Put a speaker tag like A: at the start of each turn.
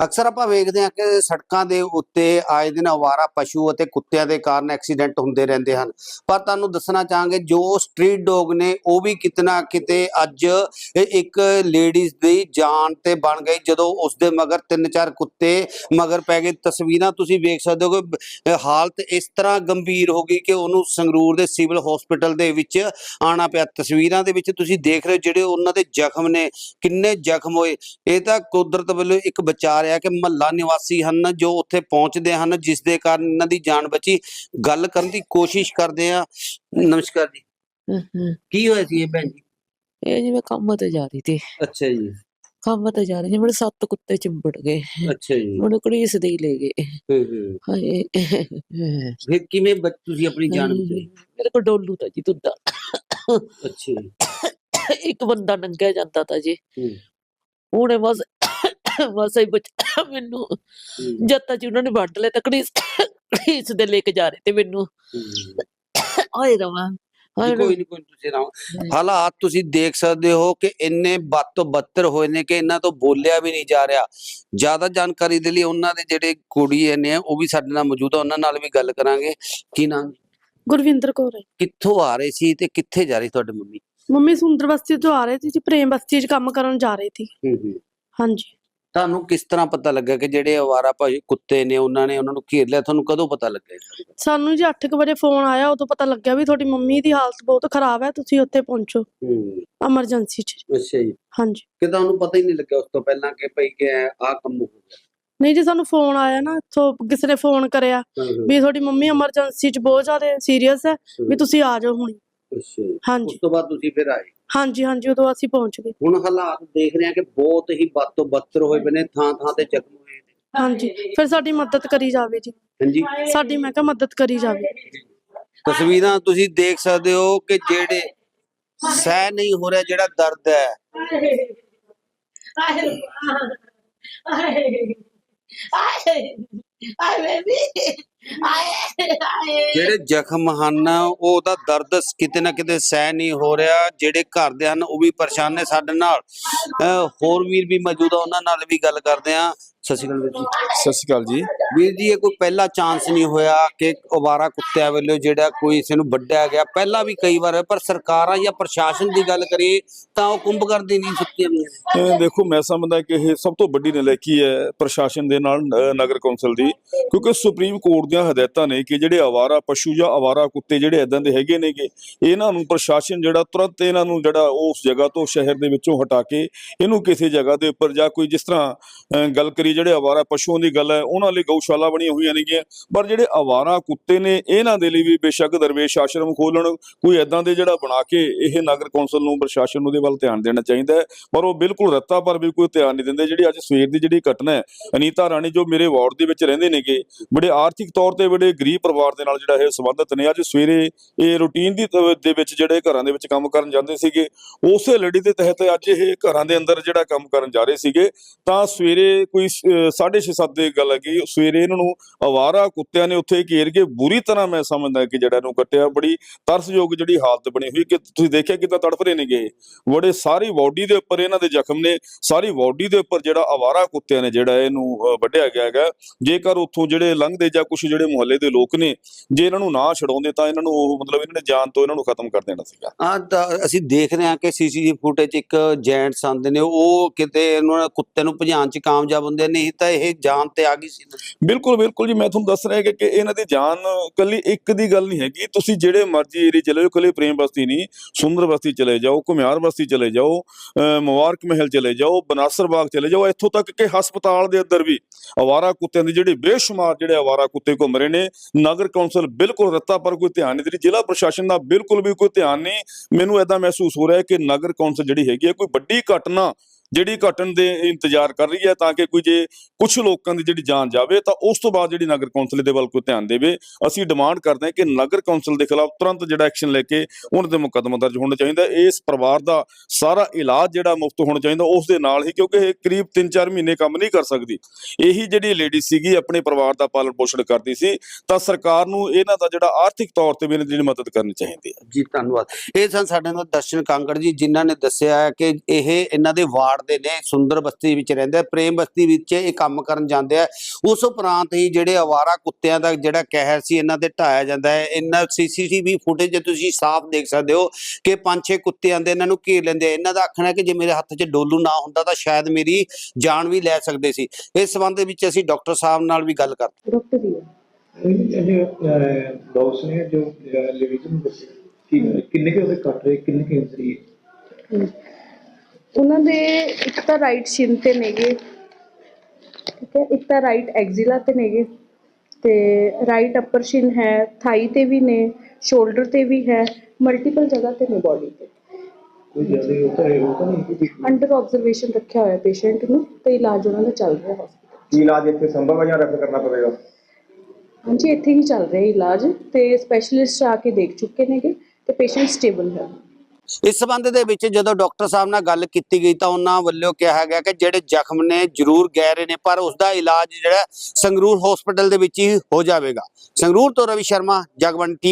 A: ਅਕਸਰ ਆਪਾਂ ਵੇਖਦੇ ਹਾਂ ਕਿ ਸੜਕਾਂ ਦੇ ਉੱਤੇ ਆਏ ਦਿਨ ਅਵਾਰਾ ਪਸ਼ੂ ਅਤੇ ਕੁੱਤਿਆਂ ਦੇ ਕਾਰਨ ਐਕਸੀਡੈਂਟ ਹੁੰਦੇ ਰਹਿੰਦੇ ਹਨ। ਪਰ ਤੁਹਾਨੂੰ ਦੱਸਣਾ ਚਾਹਾਂਗੇ ਜੋ ਸਟਰੀਟ ਡੌਗ ਨੇ ਉਹ ਵੀ ਕਿਤੇ ਨਾ ਕਿਤੇ ਅੱਜ ਇੱਕ ਲੇਡੀਜ਼ ਦੀ ਜਾਨ ਤੇ ਬਣ ਗਈ ਜਦੋਂ ਉਸ ਦੇ ਮਗਰ 3-4 ਕੁੱਤੇ ਮਗਰ ਪੈ ਗਏ। ਤਸਵੀਰਾਂ ਤੁਸੀਂ ਵੇਖ ਸਕਦੇ ਹੋ ਕਿ ਹਾਲਤ ਇਸ ਤਰ੍ਹਾਂ ਗੰਭੀਰ ਹੋ ਗਈ ਕਿ ਉਹਨੂੰ ਸੰਗਰੂਰ ਦੇ ਸਿਵਲ ਹਸਪੀਟਲ ਦੇ ਵਿੱਚ ਆਉਣਾ ਪਿਆ। ਤਸਵੀਰਾਂ ਦੇ ਵਿੱਚ ਤੁਸੀਂ ਦੇਖ ਰਹੇ ਹੋ ਜਿਹੜੇ ਉਹਨਾਂ ਦੇ ਜ਼ਖਮ ਨੇ, ਕਿੰਨੇ ਜ਼ਖਮ ਹੋਏ। ਇਹ ਤਾਂ ਕੁਦਰਤ ਵੱਲੋਂ ਇੱਕ ਬਚਾ ਰਿਹਾ ਕਿ ਮਹੱਲਾ ਨਿਵਾਸੀ ਹਨ ਜੋ ਉੱਥੇ ਪਹੁੰਚਦੇ ਹਨ ਜਿਸ ਦੇ ਕਾਰਨ ਇਹਨਾਂ ਦੀ ਜਾਨ ਬਚੀ। ਗੱਲ ਕਰਨ ਦੀ ਕੋਸ਼ਿਸ਼ ਕਰਦੇ ਆ। ਨਮਸਕਾਰ ਜੀ, ਕੀ ਹੋਇਆ ਸੀ ਇਹ ਭੈਣ ਜੀ?
B: ਇਹ ਜੀ ਮੈਂ ਕੰਮ ਤੇ ਜਾ ਰਹੀ ਸੀ।
A: ਅੱਛਾ ਜੀ।
B: ਕੰਮ ਤੇ ਜਾ ਰਹੀ ਸੀ, ਮੇਰੇ 7 ਕੁੱਤੇ ਚਿੰਬੜ ਗਏ।
A: ਅੱਛਾ ਜੀ।
B: ਮੈਨੂੰ ਘੜੀਸਦੇ ਹੀ ਲੈ ਗਏ। ਹਾਏ
A: ਫਿਰ ਕਿਵੇਂ ਤੁਸੀਂ ਆਪਣੀ ਜਾਨ ਬਚਾਈ?
B: ਮੇਰੇ ਕੋਲ ਡੋਲੂ ਤਾਂ ਜੀ ਦੁੱਧਾ।
A: ਅੱਛਾ ਜੀ।
B: ਇੱਕ ਬੰਦਾ ਨੰਗਿਆ ਜਾਂਦਾ ਤਾਂ ਜੀ, ਉਹਨੇ ਬਸ ਹੀ ਬਚਾ ਮੈਨੂੰ। ਜਦ ਤੱਕ ਉਹਨਾਂ ਨੇ ਵੱਢ ਲਿਆ ਤਾਂ ਘੜੀਸਦੇ ਲੈ ਕੇ ਜਾ ਰਹੇ ਤੇ ਮੈਨੂੰ। ਹਾਏ ਰਵਾਂ
A: ਕੋਈ ਨਹੀਂ ਤੁਸੀਂ ਰਹੋ। ਹਾਲਾਤ ਤੁਸੀਂ ਦੇਖ ਸਕਦੇ ਹੋ ਕਿ ਇੰਨੇ ਬਦ ਤੋਂ ਬੱਤਰ ਹੋਏ ਨੇ ਕਿ ਇਹਨਾਂ ਤੋਂ ਬੋਲਿਆ ਵੀ ਨਹੀਂ ਜਾ ਰਿਹਾ। ਜ਼ਿਆਦਾ ਜਾਣਕਾਰੀ ਦੇ ਲਈ ਉਹਨਾਂ ਦੇ ਜਿਹੜੇ ਕੁੜੀ ਨੇ ਉਹ ਵੀ ਸਾਡੇ ਨਾਲ ਮੌਜੂਦ ਆ, ਉਹਨਾਂ ਨਾਲ ਵੀ ਗੱਲ ਕਰਾਂਗੇ। ਕੀ ਨਾਮ?
C: ਗੁਰਵਿੰਦਰ ਕੌਰ ਹੈ।
A: ਕਿੱਥੋਂ ਆ ਰਹੇ ਸੀ ਤੇ ਕਿੱਥੇ ਜਾ ਰਹੀ ਤੁਹਾਡੀ ਮੰਮੀ?
C: ਮੰਮੀ ਸੁੰਦਰ ਬਸਤੀ ਤੋਂ ਆ ਰਹੇ ਸੀ ਜੀ, ਪ੍ਰੇਮ ਬਸਤੀ 'ਚ ਕੰਮ ਕਰਨ ਜਾ ਰਹੇ ਸੀ। ਹਾਂਜੀ।
A: ਤੁਹਾਨੂੰ ਕਿਸ ਤਰ੍ਹਾਂ ਪਤਾ ਲੱਗਾ ਕਿ ਜਿਹੜੇ ਅਵਾਰਾ ਭਾਈ ਕੁੱਤੇ ਨੇ ਉਹਨਾਂ ਨੂੰ ਘੇਰ ਲਿਆ? ਤੁਹਾਨੂੰ ਕਦੋਂ ਪਤਾ ਲੱਗਾ?
C: ਸਾਨੂੰ ਜੀ 8 ਵਜੇ ਫੋਨ ਆਇਆ, ਉਦੋਂ ਪਤਾ ਲੱਗਿਆ ਵੀ ਤੁਹਾਡੀ ਮੰਮੀ ਦੀ ਹਾਲਤ ਬਹੁਤ ਖਰਾਬ ਹੈ, ਤੁਸੀਂ ਉੱਥੇ ਪਹੁੰਚੋ ਐਮਰਜੈਂਸੀ 'ਚ।
A: ਅੱਛਾ ਜੀ।
C: ਹਾਂਜੀ।
A: ਕਿ ਤੁਹਾਨੂੰ ਪਤਾ ਹੀ ਨਹੀਂ ਲੱਗਿਆ ਉਸ ਤੋਂ ਪਹਿਲਾਂ ਕਿ ਭਈ ਕਿ ਆਹ ਕੰਮ ਹੋ ਗਿਆ?
C: ਨਹੀਂ ਜੀ, ਸਾਨੂੰ ਫੋਨ ਆਇਆ ਨਾ, ਇੱਥੋਂ ਕਿਸੇ ਨੇ ਫੋਨ ਕਰਿਆ ਵੀ ਤੁਹਾਡੀ ਮੰਮੀ ਐਮਰਜੈਂਸੀ 'ਚ ਬਹੁਤ ਜ਼ਿਆਦਾ ਸੀਰੀਅਸ ਹੈ, ਵੀ ਤੁਸੀਂ ਆ ਜਾਓ ਹੁਣ।
A: ਅੱਛਾ।
C: ਹਾਂਜੀ।
A: ਉਸ ਤੋਂ ਬਾਅਦ ਤੁਸੀਂ ਫਿਰ ਆਏ?
C: ਹਾਂਜੀ ਹਾਂਜੀ, ਉਦੋਂ ਅਸੀਂ ਪਹੁੰਚ ਗਏ।
A: ਹੁਣ ਹਾਲਾਤ ਦੇਖ ਰਹੇ ਆ ਕਿ ਬਹੁਤ ਹੀ ਬਦ ਤੋਂ ਬੱਤਰ ਹੋਏ ਪਏ ਨੇ, ਥਾਂ ਥਾਂ ਤੇ ਜ਼ਖਮ ਹੋਏ ਨੇ।
C: ਹਾਂਜੀ, ਫਿਰ ਸਾਡੀ ਮਦਦ ਕਰੀ ਜਾਵੇ ਜੀ।
A: ਹਾਂਜੀ,
C: ਸਾਡੀ ਮੈਂ ਕਿਹਾ ਮਦਦ ਕਰੀ ਜਾਵੇ।
A: ਤਸਵੀਰਾਂ ਤੁਸੀਂ ਦੇਖ ਸਕਦੇ ਹੋ ਕਿ ਜਿਹੜੇ ਸਹਿ ਨਹੀਂ ਹੋ ਰਿਹਾ ਜਿਹੜਾ ਦਰਦ ਹੈ। ਜਿਹੜੇ ਜ਼ਖਮ ਹਨ ਉਹਦਾ ਦਰਦ ਕਿਤੇ ਨਾ ਕਿਤੇ ਸਹਿ ਨਹੀਂ ਹੋ ਰਿਹਾ। ਜਿਹੜੇ ਘਰ ਦੇ ਹਨ ਉਹ ਵੀ ਪਰੇਸ਼ਾਨ ਨੇ। ਸਾਡੇ ਨਾਲ ਹੋਰ ਵੀਰ ਵੀ ਮੌਜੂਦ ਆ, ਉਹਨਾਂ ਨਾਲ ਵੀ ਗੱਲ ਕਰਦੇ ਆ। ਸਤਿ ਸ਼੍ਰੀ ਅਕਾਲ ਵੀਰ ਜੀ।
D: ਸਤਿ ਸ਼੍ਰੀ ਅਕਾਲ ਜੀ।
A: ਵੀਰ ਜੀ, ਇਹ ਕੋਈ ਪਹਿਲਾ ਚਾਂਸ ਨਹੀਂ ਹੋਇਆ ਕਿ ਅਵਾਰਾ ਕੁੱਤਿਆਂ ਵੱਲੋਂ ਜਿਹੜਾ ਕੋਈ ਕਿਸੇ ਨੂੰ ਵੱਢਿਆ ਗਿਆ? ਪਹਿਲਾਂ ਵੀ ਕਈ ਵਾਰ, ਪਰ ਸਰਕਾਰਾਂ ਜਾਂ ਪ੍ਰਸ਼ਾਸਨ ਦੀ ਗੱਲ ਕਰੀਏ ਤਾਂ ਉਹ ਕੁੰਭਕਰਨ ਦੀ ਨੀਂਦ ਸੁੱਤੀਆਂ ਹੋਈਆਂ ਨੇ।
D: ਦੇਖੋ, ਮੈਂ ਸਮਝਦਾ ਕਿ ਇਹ ਸਭ ਤੋਂ ਵੱਡੀ ਨਲਾਇਕੀ ਹੈ ਪ੍ਰਸ਼ਾਸਨ ਦੇ ਨਾਲ ਨਗਰ ਕੌਂਸਲ ਦੀ, ਕਿਉਂਕਿ ਸੁਪਰੀਮ ਕੋਰਟ ਦੀਆਂ ਹਦਾਇਤਾਂ ਨੇ ਕਿ ਜਿਹੜੇ ਅਵਾਰਾ ਪਸ਼ੂ ਜਾਂ ਅਵਾਰਾ ਕੁੱਤੇ ਜਿਹੜੇ ਇਦਾਂ ਦੇ ਹੈਗੇ ਨੇ ਕਿ ਇਹਨਾਂ ਨੂੰ ਪ੍ਰਸ਼ਾਸਨ ਜਿਹੜਾ ਤੁਰੰਤ ਇਹਨਾਂ ਨੂੰ ਜਿਹੜਾ ਉਸ ਜਗ੍ਹਾ ਤੋਂ, ਸ਼ਹਿਰ ਦੇ ਵਿੱਚੋਂ ਹਟਾ ਕੇ ਇਹਨੂੰ ਕਿਸੇ ਜਗ੍ਹਾ ਦੇ ਉੱਪਰ ਜਾਂ ਕੋਈ, ਜਿਸ ਤਰ੍ਹਾਂ ਗੱਲ ਕਰੀ ਜਿਹੜੇ ਅਵਾਰਾ ਪਸ਼ੂਆਂ ਦੀ ਗੱਲ ਹੈ ਉਹਨਾਂ ਲਈ ਗਊਸ਼ਾਲਾ ਬਣੀਆਂ ਹੋਈਆਂ ਨੇਗੀਆਂ, ਪਰ ਜਿਹੜੇ ਅਵਾਰਾ ਕੁੱਤੇ ਨੇ ਇਹਨਾਂ ਦੇ ਲਈ ਵੀ ਬੇਸ਼ੱਕ ਦਰਵੇਸ਼ ਆਸ਼ਰਮ ਖੋਲਣ, ਕੋਈ ਇਦਾਂ ਦੇ ਜਿਹੜਾ ਬਣਾ ਕੇ ਇਹ ਨਗਰ ਕੌਂਸਲ ਨੂੰ, ਪ੍ਰਸ਼ਾਸਨ ਨੂੰ ਦੇ ਵੱਲ ਧਿਆਨ ਦੇਣਾ ਚਾਹੀਦਾ ਹੈ। ਪਰ ਉਹ ਬਿਲਕੁਲ ਰੱਤਾ ਪਰ ਵੀ ਕੋਈ ਧਿਆਨ ਨਹੀਂ ਦਿੰਦੇ। ਜਿਹੜੀ ਅੱਜ ਸਵੇਰ ਦੀ ਜਿਹੜੀ ਘਟਨਾ ਹੈ, ਅਨੀਤਾ ਰਾਣੀ ਜੋ ਮੇਰੇ ਵਾਰਡ ਦੇ ਵਿੱਚ ਰਹਿੰਦੇ ਨੇਗੇ, ਬੜੇ ਆਰਥਿਕ ਤੌਰ ਤੇ ਬੜੇ ਗਰੀਬ ਪਰਿਵਾਰ ਦੇ ਨਾਲ ਜਿਹੜਾ ਇਹ ਸੰਬੰਧਿਤ ਨੇ, ਅੱਜ ਸਵੇਰੇ ਇਹ ਰੂਟੀਨ ਦੇ ਵਿੱਚ ਜਿਹੜੇ ਘਰਾਂ ਦੇ ਵਿੱਚ ਕੰਮ ਕਰਨ ਜਾਂਦੇ ਸੀਗੇ, ਉਸੇ ਲੜੀ ਦੇ ਤਹਿਤ ਅੱਜ ਇਹ ਘਰਾਂ ਦੇ ਅੰਦਰ ਜਿਹੜਾ ਕੰਮ ਕਰਨ ਜਾ ਰਹੇ ਸੀਗੇ ਤਾਂ ਸਵੇਰੇ ਕੋਈ 6:30 ਦੀ ਗੱਲ ਹੈਗੀ, ਸਵੇਰੇ ਇਹਨਾਂ ਨੂੰ ਅਵਾਰਾ ਕੁੱਤਿਆਂ ਨੇ ਉੱਥੇ ਘੇਰ ਕੇ ਬੁਰੀ ਤਰ੍ਹਾਂ, ਮੈਂ ਸਮਝਦਾ ਕਿ ਜਿਹੜਾ ਇਹਨੂੰ ਕੱਟਿਆ। ਬੜੀ ਤਰਸਯੋਗ ਜਿਹੜੀ ਹਾਲਤ ਬਣੀ ਹੋਈ ਕਿ ਤੁਸੀਂ ਦੇਖਿਆ ਕਿੱਦਾਂ ਤੜਫ ਰਹੇ ਨੇਗੇ, ਬੜੇ ਸਾਰੀ ਬਾਡੀ ਦੇ ਉੱਪਰ ਇਹਨਾਂ ਦੇ ਜ਼ਖਮ ਨੇ, ਸਾਰੀ ਬਾਡੀ ਦੇ ਉੱਪਰ ਜਿਹੜਾ ਅਵਾਰਾ ਕੁੱਤਿਆਂ ਨੇ ਜਿਹੜਾ ਇਹਨੂੰ ਵੱਢਿਆ ਗਿਆ ਹੈਗਾ। ਜੇਕਰ ਉੱਥੋਂ ਜਿਹੜੇ ਲੰਘਦੇ ਜਾਂ ਕੁਝ ਜਿਹੜੇ ਮੁਹੱਲੇ ਦੇ ਲੋਕ ਨੇ, ਜੇ ਇਹਨਾਂ ਨੂੰ ਨਾ ਛਡਾਉਂਦੇ ਤਾਂ ਇਹਨਾਂ ਨੂੰ ਮਤਲਬ ਇਹਨਾਂ ਨੇ ਜਾਨ ਤੋਂ ਇਹਨਾਂ ਨੂੰ ਖਤਮ ਕਰ ਦੇਣਾ ਸੀਗਾ।
A: ਅਸੀਂ ਦੇਖ ਰਹੇ ਹਾਂ ਕਿ ਸੀਸੀਟੀਵੀ ਫੁਟੇਜ ਇੱਕ ਜੈਂਟਸ ਆਉਂਦੇ ਨੇ, ਉਹ ਕਿਤੇ ਇਹਨਾਂ ਕੁੱਤੇ ਨੂੰ ਭਜਾਉਣ 'ਚ ਕਾਮਯਾਬ ਹੁੰਦੇ, ਨਹੀਂ ਤਾਂ ਇਹ ਜਾਨ ਤੇ ਆ ਗਈ ਸੀ।
D: ਬਿਲਕੁਲ ਬਿਲਕੁਲ ਜੀ, ਮੈਂ ਤੁਹਾਨੂੰ ਦੱਸ ਰਿਹਾ ਕਿ ਇਹਨਾਂ ਦੀ ਜਾਨ ਕੱਲੀ ਇੱਕ ਦੀ ਗੱਲ ਨਹੀਂ ਹੈਗੀ। ਤੁਸੀਂ ਜਿਹੜੇ ਮਰਜ਼ੀ ਏਰੀਏ ਚਲੇ ਜਾਓ, ਕੱਲੇ ਪ੍ਰੇਮ ਬਸਤੀ ਨਹੀਂ, ਸੁੰਦਰ ਬਸਤੀ ਚਲੇ ਜਾਓ, ਘੁਮਿਆਰ ਬਸਤੀ ਚਲੇ ਜਾਓ, ਮੁਬਾਰਕ ਮਹਿਲ ਚਲੇ ਜਾਓ, ਬਨਾਸਰ ਬਾਗ ਚਲੇ ਜਾਓ, ਇੱਥੋਂ ਤੱਕ ਕਿ ਹਸਪਤਾਲ ਦੇ ਅੰਦਰ ਵੀ ਅਵਾਰਾ ਕੁੱਤਿਆਂ ਦੇ ਜਿਹੜੇ ਬੇਸ਼ੁਮਾਰ ਜਿਹੜੇ ਅਵਾਰਾ ਕੁੱਤੇ ਘੁੰਮ ਰਹੇ ਨੇ। ਨਗਰ ਕੌਂਸਲ ਬਿਲਕੁਲ ਰੱਤਾ ਪਰ ਕੋਈ ਧਿਆਨ ਨਹੀਂ ਦੇ ਰਹੀ, ਜ਼ਿਲ੍ਹਾ ਪ੍ਰਸ਼ਾਸਨ ਦਾ ਬਿਲਕੁਲ ਵੀ ਕੋਈ ਧਿਆਨ ਨਹੀਂ। ਮੈਨੂੰ ਏਦਾਂ ਮਹਿਸੂਸ ਹੋ ਰਿਹਾ ਕਿ ਨਗਰ ਕੌਂਸਲ ਜਿਹੜੀ ਹੈਗੀ ਹੈ ਕੋਈ ਵੱਡੀ ਘਟਨਾ ਜਿਹੜੀ ਘਟਨ ਦੇ ਇੰਤਜ਼ਾਰ ਕਰ ਰਹੀ ਹੈ ਤਾਂ ਕਿ ਕੋਈ ਜੇ ਕੁਝ ਲੋਕਾਂ ਦੀ ਜਿਹੜੀ ਜਾਨ ਜਾਵੇ ਤਾਂ ਉਸ ਤੋਂ ਬਾਅਦ ਜਿਹੜੀ ਨਗਰ ਕੌਂਸਲ ਦੇ ਵੱਲ ਕੋਈ ਧਿਆਨ ਦੇਵੇ। ਅਸੀਂ ਡਿਮਾਂਡ ਕਰਦੇ ਹਾਂ ਕਿ ਨਗਰ ਕੌਂਸਲ ਦੇ ਖਿਲਾਫ ਤੁਰੰਤ ਜਿਹੜਾ ਐਕਸ਼ਨ ਲੈ ਕੇ ਉਹਨਾਂ ਦੇ ਮੁਕੱਦਮਾ ਦਰਜ ਹੋਣਾ ਚਾਹੀਦਾ। ਇਸ ਪਰਿਵਾਰ ਦਾ ਸਾਰਾ ਇਲਾਜ ਜਿਹੜਾ ਮੁਫਤ ਹੋਣਾ ਚਾਹੀਦਾ ਉਸ ਦੇ ਨਾਲ ਹੀ, ਕਿਉਂਕਿ ਇਹ ਕਰੀਬ 3-4 ਮਹੀਨੇ ਕੰਮ ਨਹੀਂ ਕਰ ਸਕਦੀ। ਇਹੀ ਜਿਹੜੀ ਲੇਡੀ ਸੀਗੀ ਆਪਣੇ ਪਰਿਵਾਰ ਦਾ ਪਾਲਣ ਪੋਸ਼ਣ ਕਰਦੀ ਸੀ, ਤਾਂ ਸਰਕਾਰ ਨੂੰ ਇਹਨਾਂ ਦਾ ਜਿਹੜਾ ਆਰਥਿਕ ਤੌਰ ਤੇ ਵੀ ਇਹਨਾਂ ਦੀ ਜਿਹੜੀ ਮਦਦ ਕਰਨੀ ਚਾਹੀਦੀ ਹੈ।
A: ਜੀ ਧੰਨਵਾਦ। ਇਹ ਸਨ ਸਾਡੇ ਨਾਲ ਦਰਸ਼ਨ ਕਾਂਗੜ ਜੀ, ਜਿਨ੍ਹਾਂ ਨੇ ਦੱਸਿਆ ਹੈ ਕਿ ਇਹ ਇਹਨਾਂ ਦੇ ਵਾਰਡ ਦੇ ਨੇ, ਸੁੰਦਰ ਬਸਤੀ ਵਿੱਚ ਰਹਿੰਦੇ ਆ, ਪ੍ਰੇਮ ਬਸਤੀ ਵਿੱਚ ਇਹ ਕੰਮ ਕਰਨ ਜਾਂਦੇ ਆ। ਉਸ ਉਪਰੰਤ ਹੀ ਜਿਹੜੇ ਅਵਾਰਾ ਕੁੱਤਿਆਂ ਦਾ ਜਿਹੜਾ ਕਹਿਰ ਸੀ ਇਹਨਾਂ ਤੇ ਢਾਇਆ ਜਾਂਦਾ ਹੈ। ਇਹਨਾਂ CCTV ਫੁਟੇਜ ਤੁਸੀਂ ਸਾਫ਼ ਦੇਖ ਸਕਦੇ ਹੋ ਕਿ 5-6 ਕੁੱਤੇ ਆਂਦੇ ਇਹਨਾਂ ਨੂੰ ਘੇਰ ਲੈਂਦੇ ਆ। ਇਹਨਾਂ ਦਾ ਆਖਣਾ ਹੈ ਕਿ ਜੇ ਮੇਰੇ ਹੱਥ 'ਚ ਡੋਲੂ ਨਾ ਹੁੰਦਾ ਤਾਂ ਸ਼ਾਇਦ ਮੇਰੀ ਜਾਨ ਵੀ ਲੈ ਸਕਦੇ ਸੀ। ਇਸ ਸੰਬੰਧ ਦੇ ਵਿੱਚ ਅਸੀਂ ਡਾਕਟਰ ਸਾਹਿਬ ਨਾਲ ਵੀ ਗੱਲ ਕਰਦੇ।
C: ਡਾਕਟਰ ਜੀ
E: डॉग्स ने जो लेडीज ਨੂੰ ਦੱਸਿਆ ਕਿ ਕਿੰਨੇ ਕੇ ਉਹਦੇ ਕੱਟ ਰਹੇ, ਕਿੰਨੇ ਕੇ ਇੰਜਰੀ ਹੈ?
C: ਉਹਨਾਂ ਦੇ ਇੱਕ ਤਾਂ ਰਾਈਟ ਸ਼ਿਨ ਤੇ ਨੇਗੇ, ਠੀਕ ਹੈ, ਇੱਕ ਤਾਂ ਰਾਈਟ ਐਕਸਿਲਾ ਤੇ ਨੇਗੇ, ਤੇ ਰਾਈਟ ਅਪਰ ਸ਼ਿਨ ਹੈ, ਥਾਈ ਤੇ ਵੀ ਨੇ, ਸ਼ੋਲਡਰ ਤੇ ਵੀ ਹੈ, ਮਲਟੀਪਲ ਜਗ੍ਹਾ ਤੇ ਨੇ ਬੋਡੀ ਤੇ।
E: ਕੋਈ ਜ਼ਿਆਦਾ ਹੋਤਾ ਨਹੀਂ ਕਿ
C: ਅੰਡਰ ਆਬਜ਼ਰਵੇਸ਼ਨ ਰੱਖਿਆ ਹੋਇਆ ਪੇਸ਼ੈਂਟ ਨੂੰ ਤੇ ਇਲਾਜ ਉਹਨਾਂ ਦਾ ਚੱਲ ਰਿਹਾ ਹਸਪਤਾਲ।
E: ਕੀ ਇਲਾਜ ਇੱਥੇ ਸੰਭਵ ਹੈ ਜਾਂ ਰੈਫਰ ਕਰਨਾ ਪਵੇਗਾ?
C: ਹਾਂਜੀ, ਇੱਥੇ ਹੀ ਚੱਲ ਰਿਹਾ ਇਲਾਜ ਤੇ ਸਪੈਸ਼ਲਿਸਟ ਆ ਕੇ ਦੇਖ ਚੁੱਕੇ ਨੇਗੇ ਤੇ ਪੇਸ਼ੈਂਟ ਸਟੇਬਲ ਹੈ।
A: ਇਸ ਸੰਬੰਧ ਦੇ ਵਿੱਚ ਜਦੋਂ ਡਾਕਟਰ ਸਾਹਿਬ ਨਾਲ ਗੱਲ ਕੀਤੀ ਗਈ ਤਾਂ ਉਹਨਾਂ ਵੱਲੋਂ ਕਿਹਾ ਗਿਆ ਕਿ ਜਿਹੜੇ ਜ਼ਖਮ ਨੇ ਜ਼ਰੂਰ ਗਹਿਰੇ ਨੇ ਪਰ ਉਸ ਦਾ ਇਲਾਜ ਜਿਹੜਾ ਸੰਗਰੂਰ ਹਸਪੀਟਲ ਦੇ ਵਿੱਚ ਹੀ ਹੋ ਜਾਵੇਗਾ। ਸੰਗਰੂਰ ਤੋਂ ਰਵੀ ਸ਼ਰਮਾ, ਜਗਬਾਣੀ।